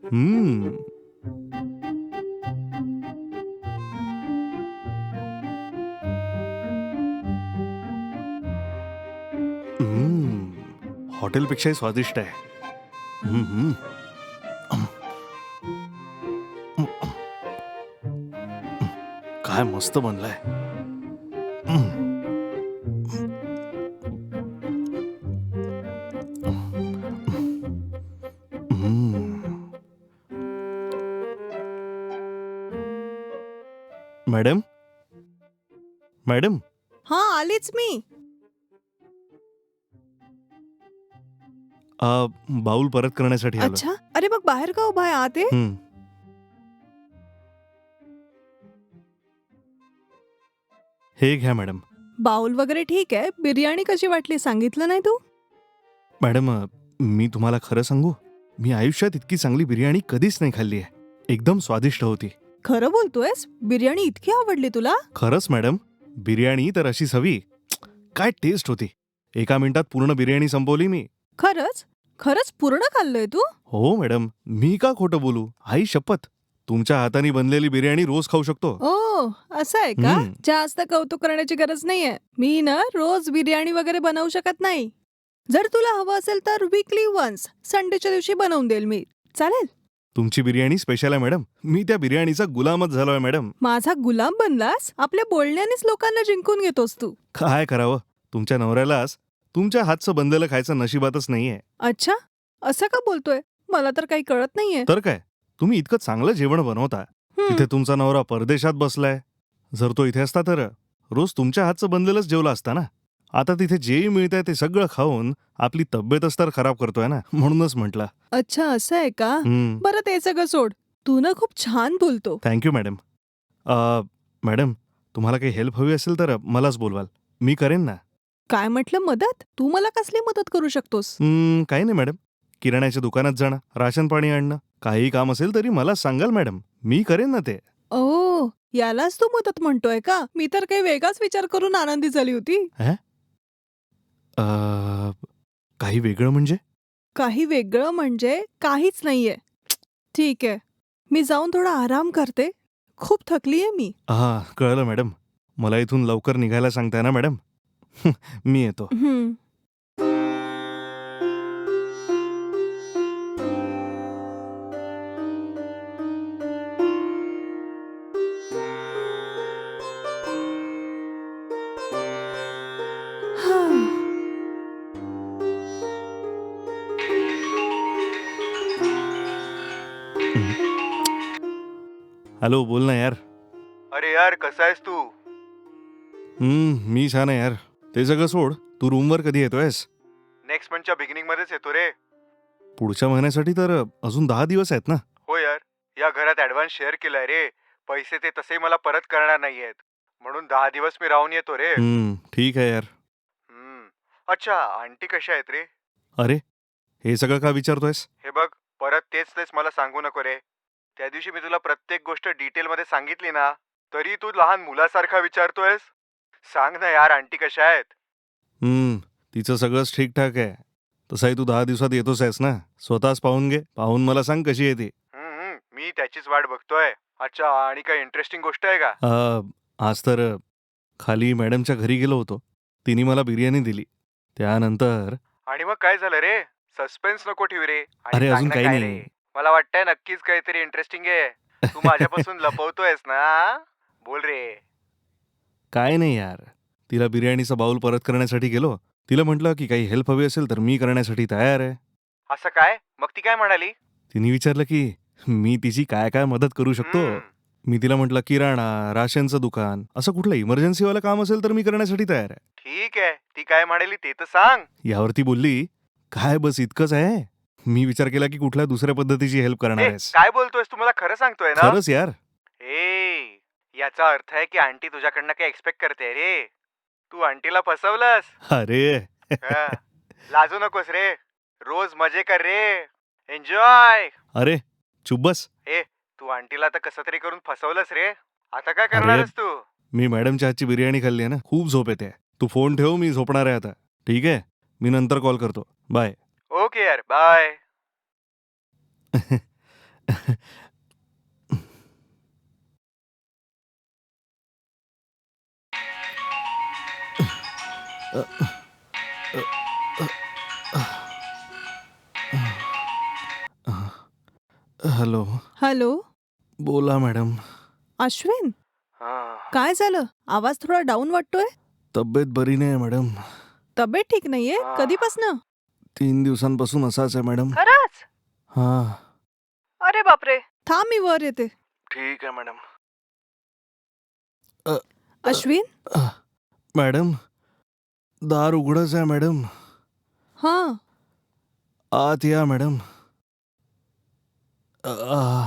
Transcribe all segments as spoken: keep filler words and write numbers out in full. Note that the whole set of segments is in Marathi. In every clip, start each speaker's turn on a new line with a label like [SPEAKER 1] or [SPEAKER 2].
[SPEAKER 1] हम्म. हम्म. हॉटेलपेक्षाही स्वादिष्ट आहे. हम्म. काय मस्त बनलाय. मॅडम मॅडम
[SPEAKER 2] हा आलीच मी.
[SPEAKER 1] अ, बाऊल परत करण्यासाठी आलो.
[SPEAKER 2] अच्छा, अरे मग बाहेर का उभा आहे, आत ये.
[SPEAKER 1] हम्म. हे घ्या मॅडम.
[SPEAKER 2] बाउल वगैरे ठीक आहे, बिर्याणी कशी वाटली सांगितलं नाही तू?
[SPEAKER 1] मॅडम अ, मी तुम्हाला खरं सांगू, मी आयुष्यात इतकी चांगली बिर्याणी कधीच नाही खाल्ली आहे. एकदम स्वादिष्ट होती.
[SPEAKER 2] खरं बोलतोयस? बिर्याणी इतकी आवडली तुला?
[SPEAKER 1] खरंच मॅडम, बिर्याणी तर अशी हवी. काय टेस्ट होती. एका मिनिटात पूर्ण बिर्याणी संपवली मी.
[SPEAKER 2] खरंच खरंच पूर्ण खाल्लंय तू?
[SPEAKER 1] हो मॅडम, मी का खोटं बोलू. आई शपथ, तुमच्या हाताने बनलेली बिर्याणी रोज खाऊ शकतो.
[SPEAKER 2] ओ असं आहे का?
[SPEAKER 1] हम्म.
[SPEAKER 2] जास्त कौतुक करण्याची गरज नाहीये. मी ना रोज बिर्याणी वगैरे बनवू शकत नाही. जर तुला हवं असेल तर वीकली वन्स संडेच्या दिवशी बनवून देईल मी. चालेल?
[SPEAKER 1] तुमची बिर्याणी स्पेशल आहे मॅडम. मी त्या बिर्याणीचा गुलामच झालोय मॅडम.
[SPEAKER 2] माझा गुलाम बनलास? आपल्या बोलण्यानेच लोकांना जिंकून घेतोस तू.
[SPEAKER 1] काय करावं, तुमच्या नवऱ्यालाच तुमच्या हातचं बनलेलं खायचं नशिबातच नाहीये.
[SPEAKER 2] अच्छा, असं का बोलतोय? मला तर काही कळत नाहीये.
[SPEAKER 1] तर काय, तुम्ही इतकं चांगलं जेवण बनवता.
[SPEAKER 2] हं.
[SPEAKER 1] तिथे तुमचा नवरा परदेशात बसलाय. जर तो इथे असता तर रोज तुमच्या हातचं बनलेलंच जेवला असता ना. आता तिथे जेही मिळतंय ते सगळं खाऊन आपली तब्येतच तर खराब करतोय ना. म्हणूनच म्हटलं.
[SPEAKER 2] अच्छा असं आहे का?
[SPEAKER 1] हम्म.
[SPEAKER 2] बरं ते सगळं सोड. तू ना खूप छान बोलतो.
[SPEAKER 1] Thank you madam. अ, मॅडम, तुम्हाला काही हेल्प हवी असेल तर मलाच बोलवाल. मी करेन ना.
[SPEAKER 2] काय म्हटलं मदत? तू मला कसली मदत करू शकतोस?
[SPEAKER 1] हम्म, काही नाही मॅडम. किराण्याच्या दुकानात जाणं, राशन पाणी आणणं, काही काम असेल तरी मला सांगाल मॅडम. मी करेन ना ते.
[SPEAKER 2] ओ यालाच तू मदत म्हणतोय का? मी तर काही वेगळाच विचार करून आनंदी झाली होती.
[SPEAKER 1] हे? अ, काही वेगळं म्हणजे?
[SPEAKER 2] काही वेगळं म्हणजे काहीच नाहीये. ठीक आहे, मी जाऊन थोडा आराम करते. खूप थकलीये मी.
[SPEAKER 1] हा, कळलं मॅडम. मला इथून लवकर निघायला सांगताय ना मॅडम. मी येतो.
[SPEAKER 2] हं. हां.
[SPEAKER 1] हॅलो, बोल ना यार.
[SPEAKER 3] अरे यार कसा आहेस तू?
[SPEAKER 1] हम्म, मी छान आहे यार. ते सगळं सोड. तू रूमवर कधी येतोयस?
[SPEAKER 3] नेक्स्ट मंथच्या बिगिनिंग मध्येच येतो रे.
[SPEAKER 1] पुढच्या महिन्यासाठी तर अजून दहा दिवस आहेत ना.
[SPEAKER 3] हो यार, या घरात ऍडव्हान्स शेअर केलाय रे. पैसे ते तसे मला परत करणार नाहीयेत, म्हणून दहा दिवस मी राहून येतो रे.
[SPEAKER 1] हम्म, ठीक आहे यार.
[SPEAKER 3] हम्म. अच्छा, आंटी कशा आहेत रे?
[SPEAKER 1] अरे, हे सगळं का विचारतोयस?
[SPEAKER 3] हे बघ, परत तेच तेच मला सांगू नको रे. त्या दिवशी मी तुला प्रत्येक गोष्ट डिटेल मध्ये सांगितली ना, तरी तू लहान मुलासारखा विचारतोयस. सांग ना यार, आंटी कशा आहेत?
[SPEAKER 1] हम्म, तिचं सगळंच ठीकठाक आहे. तसाही तू दहा दिवसात येतोच आहेस ना. स्वतःच पाहून घे. पाहून मला सांग कशी आहे ती.
[SPEAKER 3] हम्म, हम्म, मी त्याचीच वाट बघतोय. अच्छा, आणि काही इंटरेस्टिंग गोष्ट आहे का?
[SPEAKER 1] अ, आज तर अ, खाली मॅडमच्या घरी गेलो होतो. तिने मला बिर्याणी दिली. त्यानंतर
[SPEAKER 3] आणि मग काय झालं रे? सस्पेन्स नको ठेवू रे. आणि
[SPEAKER 1] अरे,
[SPEAKER 3] सांग
[SPEAKER 1] अजून
[SPEAKER 3] ना
[SPEAKER 1] काही
[SPEAKER 3] काय
[SPEAKER 1] नाही.
[SPEAKER 3] रे? मला वाटतंय नक्कीच काहीतरी इंटरेस्टिंग आहे. तू माझ्यापासून लपवतोयस ना? बोल रे.
[SPEAKER 1] काय नाही यार. तिला बिर्याणीचा बाऊल परत करण्यासाठी गेलो. तिला म्हटलं की काही हेल्प हवी असेल तर मी करण्यासाठी तयार आहे.
[SPEAKER 3] असं काय? मग ती काय म्हणाली?
[SPEAKER 1] तिने विचारलं की मी तिची काय काय मदत करू शकतो.
[SPEAKER 3] हम्म,
[SPEAKER 1] मी तिला म्हटलं किराणा, राशनचं दुकान, असं कुठलं इमर्जन्सीवालं काम असेल तर मी करण्यासाठी तयार आहे.
[SPEAKER 3] ठीक आहे. ती काय म्हणाली ते तर सांग.
[SPEAKER 1] यावर ती बोलली, काय बस इतकंच आहे? मी विचार केला की कुठल्या दुसऱ्या पद्धतीची हेल्प करणार
[SPEAKER 3] ए,
[SPEAKER 1] आहेस.
[SPEAKER 3] काय बोलतोयस? तू मला खरं सांगतोय ना?
[SPEAKER 1] खरंच यार.
[SPEAKER 3] ए, याचा अर्थ आहे की आंटी तुझ्याकडनं काही एक्सपेक्ट करते रे. तू आंटीला फसवलंस.
[SPEAKER 1] अरे.
[SPEAKER 3] हा. लाजू नकोस रे. रोज मजे कर रे. एन्जॉय.
[SPEAKER 1] अरे, चुप बस.
[SPEAKER 3] ए, तू आंटीला तर कसं तरी करून फसवलंस रे. आता काय
[SPEAKER 1] अरे,
[SPEAKER 3] करणारस तू?
[SPEAKER 1] मी मॅडमच्या हातची बिर्याणी खाल्ली आहे ना, खूप झोप येते. तू फोन ठेव, मी झोपणार आहे आता. ठीक आहे, मी नंतर कॉल करतो. बाय.
[SPEAKER 3] ओके यार, बाय.
[SPEAKER 1] हॅलो.
[SPEAKER 2] हॅलो.
[SPEAKER 1] बोला मॅडम.
[SPEAKER 2] अश्विन,
[SPEAKER 3] हा.
[SPEAKER 2] काय झालं? आवाज थोडा डाऊन वाटतोय.
[SPEAKER 1] तब्येत बरी नाही मॅडम.
[SPEAKER 2] तब्येत ठीक नाहीये?
[SPEAKER 3] हा.
[SPEAKER 2] कधीपासनं?
[SPEAKER 1] तीन दिवसांपासून असाच आहे मॅडम.
[SPEAKER 2] खरंच?
[SPEAKER 1] हा.
[SPEAKER 2] अरे बापरे. थांब, मी वर येते.
[SPEAKER 3] ठीक आहे मॅडम.
[SPEAKER 2] अश्विन.
[SPEAKER 1] मॅडम, दार उघडच आहे मॅडम.
[SPEAKER 2] हा.
[SPEAKER 1] आत या मॅडम. आ.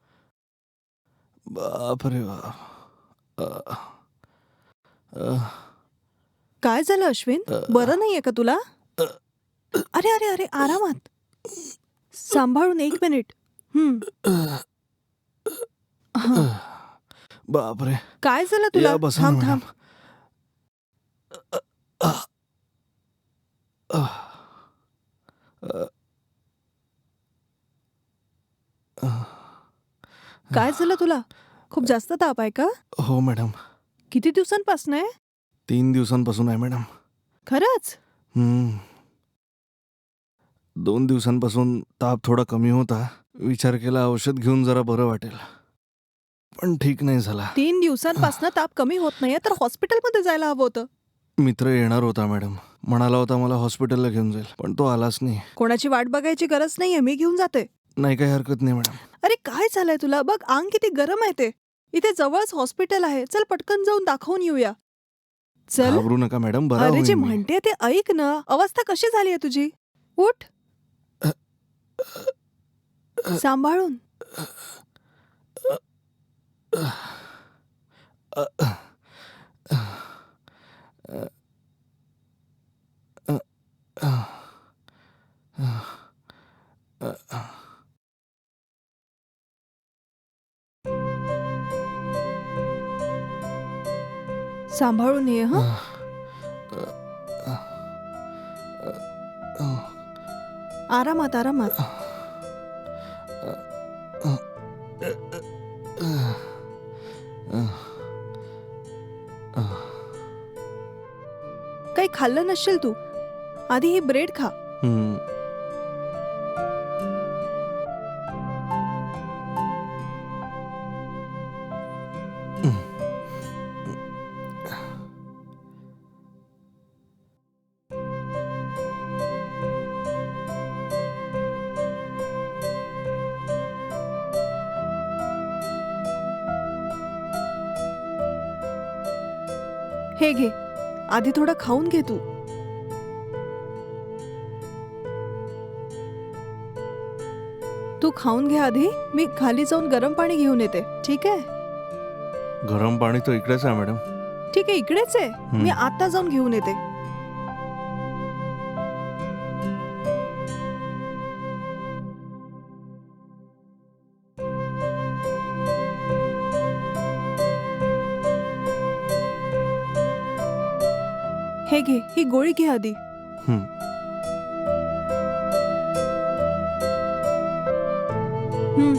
[SPEAKER 1] बापरे बाप. आ. आ.
[SPEAKER 2] काय झालं अश्विन? बरं नाहीये का तुला? अरे अरे अरे आरामात. सांभाळून, एक मिनिट. हम्म. हा.
[SPEAKER 1] बापरे.
[SPEAKER 2] काय झालं तुला?
[SPEAKER 1] या बसा ना
[SPEAKER 2] थांब
[SPEAKER 1] मॅडम.
[SPEAKER 2] थांब.
[SPEAKER 1] आ. आ. आ.
[SPEAKER 2] काय झालं तुला? खूप जास्त ताप आहे का?
[SPEAKER 1] हो मॅडम.
[SPEAKER 2] किती दिवसांपासून आहे?
[SPEAKER 1] तीन दिवसांपासून आहे मॅडम.
[SPEAKER 2] खरंच?
[SPEAKER 1] हम्म. दोन दिवसांपासून ताप थोडा कमी होता. विचार केला औषध घेऊन जरा बरं वाटेल, पण ठीक नाही झाला.
[SPEAKER 2] तीन दिवसांपासून ताप कमी होत नाहीये तर हॉस्पिटलमध्ये जायला हवं होतं.
[SPEAKER 1] मित्र येणार होता मॅडम. म्हणाला होता मला हॉस्पिटलला घेऊन जाईल, पण तो आलाच नाही.
[SPEAKER 2] कोणाची वाट बघायची गरज नाहीये, मी घेऊन जाते.
[SPEAKER 1] नाही, काही हरकत नाही मॅडम.
[SPEAKER 2] अरे काय झालंय तुला? बघ, अंग किती गरम आहे ते. इथे जवळच हॉस्पिटल आहे. चल पटकन जाऊन दाखवून येऊया. चल.
[SPEAKER 1] घाबरू नका मॅडम, बरा
[SPEAKER 2] अरे
[SPEAKER 1] होईन
[SPEAKER 2] जे
[SPEAKER 1] मी.
[SPEAKER 2] म्हणते ते ऐक ना. अवस्था कशी झाली आहे तुझी? उठ. सांभाळून. सांभाळून ये. हं. आरामात आरामात. काही खाल्लं नसशील तू. आधी ही ब्रेड खा.
[SPEAKER 1] हम्म.
[SPEAKER 2] हे घे. आधी थोडं खाऊन घे तू. तू खाऊन घे आधी. मी खाली जाऊन गरम पाणी घेऊन येते. ठीक आहे?
[SPEAKER 1] गरम पाणी तर इकडेच आहे मॅडम.
[SPEAKER 2] ठीक आहे, इकडेच आहे. मी आता जाऊन घेऊन येते. हे घे, ही गोळी घे आधी.
[SPEAKER 1] हम्म.
[SPEAKER 2] हम्म.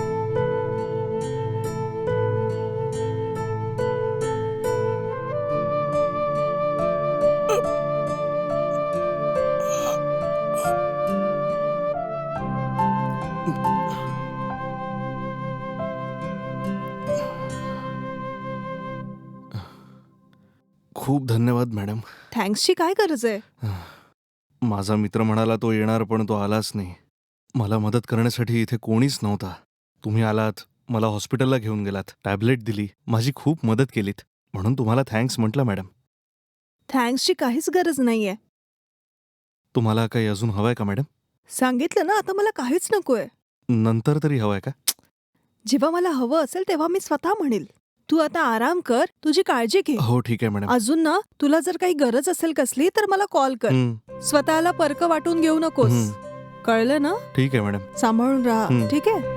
[SPEAKER 1] खूप धन्यवाद मॅडम.
[SPEAKER 2] थँक्सची काय गरज आहे?
[SPEAKER 1] माझा मित्र म्हणाला तो येणार, पण तो आलाच नाही. मला मदत करण्यासाठी इथे कोणीच नव्हता. तुम्ही आलात, मला हॉस्पिटलला घेऊन गेलात, टॅबलेट दिली, माझी खूप मदत केलीत, म्हणून तुम्हाला थँक्स म्हटलं मॅडम.
[SPEAKER 2] थँक्सची काहीच गरज नाहीये.
[SPEAKER 1] तुम्हाला काही अजून हवंय का मॅडम?
[SPEAKER 2] सांगितलं ना, आता मला काहीच नकोय.
[SPEAKER 1] नंतर तरी हवंय का?
[SPEAKER 2] जेव्हा मला हवं असेल तेव्हा मी स्वतः म्हणेल. तू आता आराम कर, तुझी काळजी घे.
[SPEAKER 1] हो ठीक आहे मॅडम.
[SPEAKER 2] अजून ना, तुला जर काही गरज असेल कसली तर मला कॉल कर.
[SPEAKER 1] हं,
[SPEAKER 2] स्वतःला परक वाटून घेऊ नकोस.
[SPEAKER 1] हं.
[SPEAKER 2] कळलं ना?
[SPEAKER 1] ठीक आहे मॅडम.
[SPEAKER 2] सांभाळून राहा.
[SPEAKER 1] हं.
[SPEAKER 2] ठीक आहे?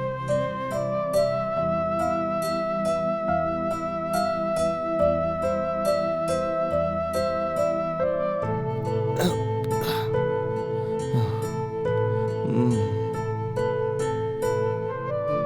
[SPEAKER 1] हं.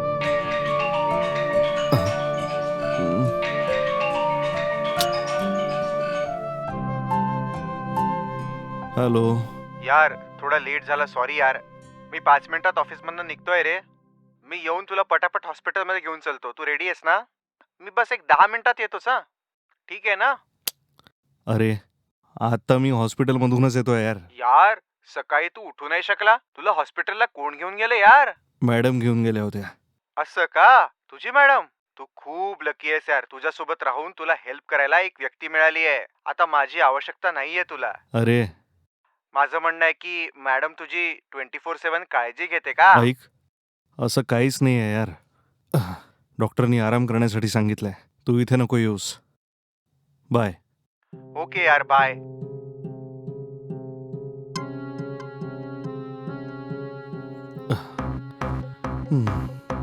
[SPEAKER 1] हॅलो.
[SPEAKER 3] यार थोडा लेट झाला, सॉरी यार. मी पाच मिनिटात ऑफिसमधनं निघतोय रे. मी येऊन तुला पटापट हॉस्पिटलमध्ये घेऊन चलतो. तू रेडी आहेस ना? मी बस एक दहा मिनिटात येतोच हा. ठीक आहे ना?
[SPEAKER 1] अरे आता मी हॉस्पिटलमधूनच येतोय यार.
[SPEAKER 3] यार सकाळी तू उठू नाही शकला? तुला हॉस्पिटलला कोण घेऊन गेले यार?
[SPEAKER 1] मॅडम घेऊन गेल्या होत्या.
[SPEAKER 3] असं का? तुझी मॅडम? तू खूप लकी आहेस यार. तुझ्यासोबत राहून तुला हेल्प करायला एक व्यक्ती मिळाली आहे. आता माझी आवश्यकता नाहीये तुला.
[SPEAKER 1] अरे
[SPEAKER 3] माझं म्हणणं आहे की मॅडम तुझी ट्वेंटी फोर सेवन काळजी घेते का?
[SPEAKER 1] ऐक, असं काहीच नाही आहे यार. आह, डॉक्टरनी आराम करण्यासाठी सांगितलंय. तू इथे नको येऊस. बाय.
[SPEAKER 3] ओके यार, बाय.
[SPEAKER 1] हम्म.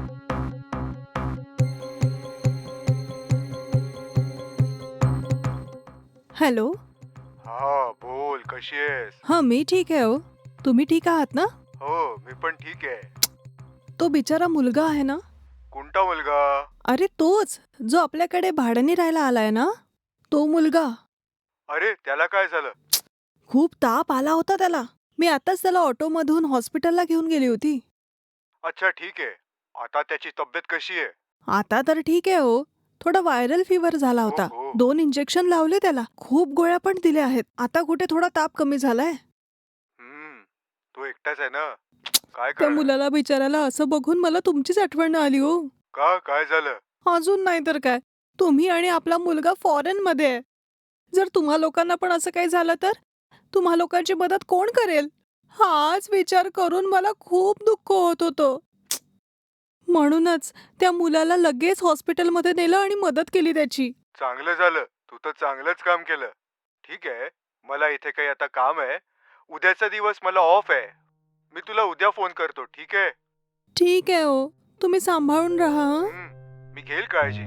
[SPEAKER 2] हॅलो.
[SPEAKER 3] हा बोल, कशी आहेस?
[SPEAKER 2] हां, मी ठीक आहे हो. तुम्ही ठीक आहात ना?
[SPEAKER 3] हो, मी पण ठीक आहे.
[SPEAKER 2] तो बिचारा मुलगा आहे ना?
[SPEAKER 3] कोणता मुलगा?
[SPEAKER 2] अरे तोच, जो आपल्याकडे भाड्याने राहायला आलाय ना? तो मुलगा.
[SPEAKER 3] अरे त्याला काय झालं?
[SPEAKER 2] खूप ताप आला होता त्याला. मी आताच त्याला ऑटोमधून हॉस्पिटलला घेऊन गेली होती.
[SPEAKER 3] अच्छा ठीक आहे. आता त्याची तब्येत कशी आहे?
[SPEAKER 2] आता तर ठीक आहे हो. थोडा व्हायरल फीवर झाला होता.
[SPEAKER 3] हो, हो.
[SPEAKER 2] दोन इंजेक्शन लावले त्याला. खूप गोळ्या पण दिल्या आहेत. आता कुठे थोडा ताप कमी झालाय.
[SPEAKER 3] हम्म, तू एकटाच आहे ना? काय
[SPEAKER 2] त्या
[SPEAKER 3] करणार?
[SPEAKER 2] मुलाला बिचाराला असं बघून मला तुमचीच आठवण आली हो.
[SPEAKER 3] का, काय झालं?
[SPEAKER 2] अजून नाही तर काय. तुम्ही आणि आपला मुलगा फॉरेन मध्ये आहे. जर तुम्हा लोकांना पण असं काही झालं तर तुम्हा लोकांची मदत कोण करेल? हाच विचार करून मला खूप दुःख होत होतं. म्हणूनच त्या मुलाला लगेच हॉस्पिटलमध्ये नेलं आणि मदत केली त्याची.
[SPEAKER 3] चांगलं झालं. तू तर चांगलंच काम केलं. ठीक आहे, मला इथे काही आता काम आहे. उद्याचा दिवस मला ऑफ आहे. मी तुला उद्या फोन करतो, ठीक आहे?
[SPEAKER 2] ठीक आहे हो. तुम्ही सांभाळून राहा हं?
[SPEAKER 3] हम्म, मी घेईल काळजी.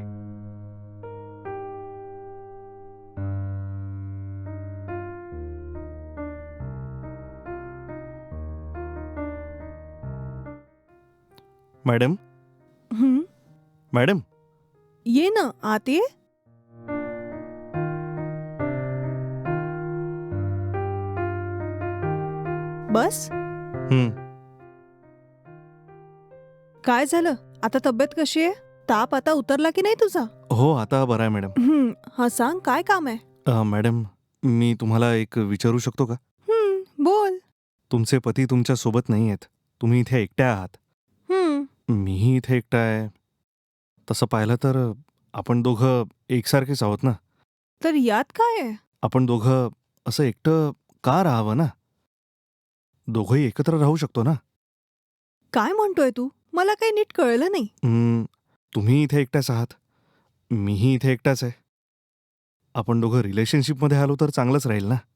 [SPEAKER 1] मॅडम.
[SPEAKER 2] हं?
[SPEAKER 1] मॅडम.
[SPEAKER 2] ये ना आत ये. बस.
[SPEAKER 1] हम्म.
[SPEAKER 2] काय झालं? आता तब्येत कशी आहे? ताप आता उतरला की नाही तुझा?
[SPEAKER 1] हो आता बरं आहे मॅडम.
[SPEAKER 2] हं, हा सांग काय काम आहे?
[SPEAKER 1] अ, मॅडम मी तुम्हाला एक विचारू शकतो का?
[SPEAKER 2] हं, बोल.
[SPEAKER 1] तुमचे पती तुमच्या सोबत नाही आहेत. तुम्ही इथे एकट्या आहात.
[SPEAKER 2] हं,
[SPEAKER 1] मीही इथे एकटा आहे. तसं पाहिलं तर आपण दोघं एकसारखेच आहोत ना.
[SPEAKER 2] तर यात काय आहे?
[SPEAKER 1] आपण दोघं असं एकटं का राहावं ना? दोघंही एकत्र राहू शकतो ना.
[SPEAKER 2] काय म्हणतोय तू? मला काही नीट कळलं नाही.
[SPEAKER 1] हं, तुम्ही इथे एकट्याच आहात. मीही इथे एकटाच आहे. आपण दोघं रिलेशनशिपमध्ये आलो तर चांगलंच राहील ना.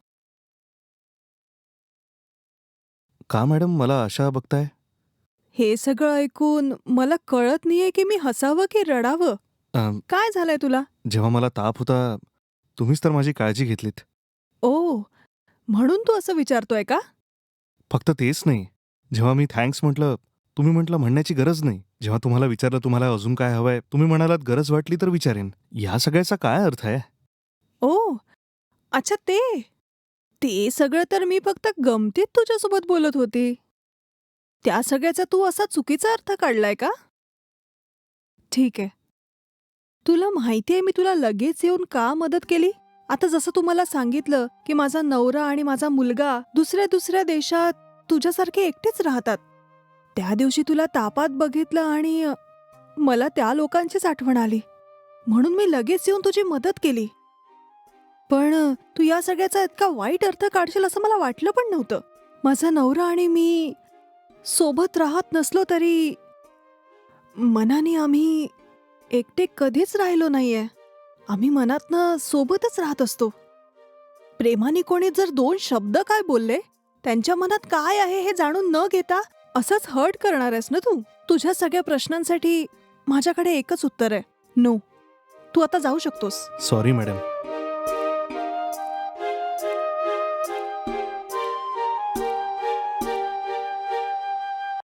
[SPEAKER 1] का मॅडम मला अशा बघताय?
[SPEAKER 2] हे सगळं ऐकून मला कळत नाहीये की मी हसावं की रडावं.
[SPEAKER 1] अ,
[SPEAKER 2] काय झालंय तुला?
[SPEAKER 1] जेव्हा मला ताप होता तुम्हीच तर माझी काळजी घेतलीत.
[SPEAKER 2] ओ, म्हणून तू असं विचारतोय का?
[SPEAKER 1] फक्त तेच नाही. जेव्हा मी थँक्स म्हटलं तुम्ही म्हटलं म्हणण्याची गरज नाही. जेव्हा तुम्हाला विचारलं तुम्हाला अजून काय हवंय तुम्ही म्हणालात गरज वाटली तर विचारेन. या सगळ्याचा काय अर्थ आहे?
[SPEAKER 2] ओ, अच्छा ते. ते सगळं तर मी फक्त गमतीत तुझ्यासोबत बोलत होती. त्या सगळ्याचा तू असा चुकीचा अर्थ काढलाय का? ठीक आहे. तुला माहितीये मी तुला लगेच येऊन का मदत केली? आता जसं तू मला सांगितलं की माझा नवरा आणि माझा मुलगा दुसऱ्या दुसऱ्या देशात तुझ्यासारखे एकटेच राहतात. त्या दिवशी तुला तापात बघितलं आणि अ, मला त्या लोकांचीच आठवण आली. म्हणून मी लगेच येऊन तुझी मदत केली. पण अ, तू या सगळ्याचा इतका वाईट अर्थ काढशील असं मला वाटलं पण नव्हतं. माझा नवरा आणि मी सोबत राहत नसलो तरी मनाने आम्ही एकटे कधीच राहिलो नाहीये. आम्ही मनातनं सोबतच राहत असतो. प्रेमाने कोणी जर दोन शब्द काय बोलले त्यांच्या मनात काय आहे हे जाणून न घेता असंच हर्ट करणार आहेस ना तू. तुझ्या सगळ्या प्रश्नांसाठी माझ्याकडे एकच उत्तर आहे, नो. तू आता जाऊ शकतोस.
[SPEAKER 1] Sorry madam.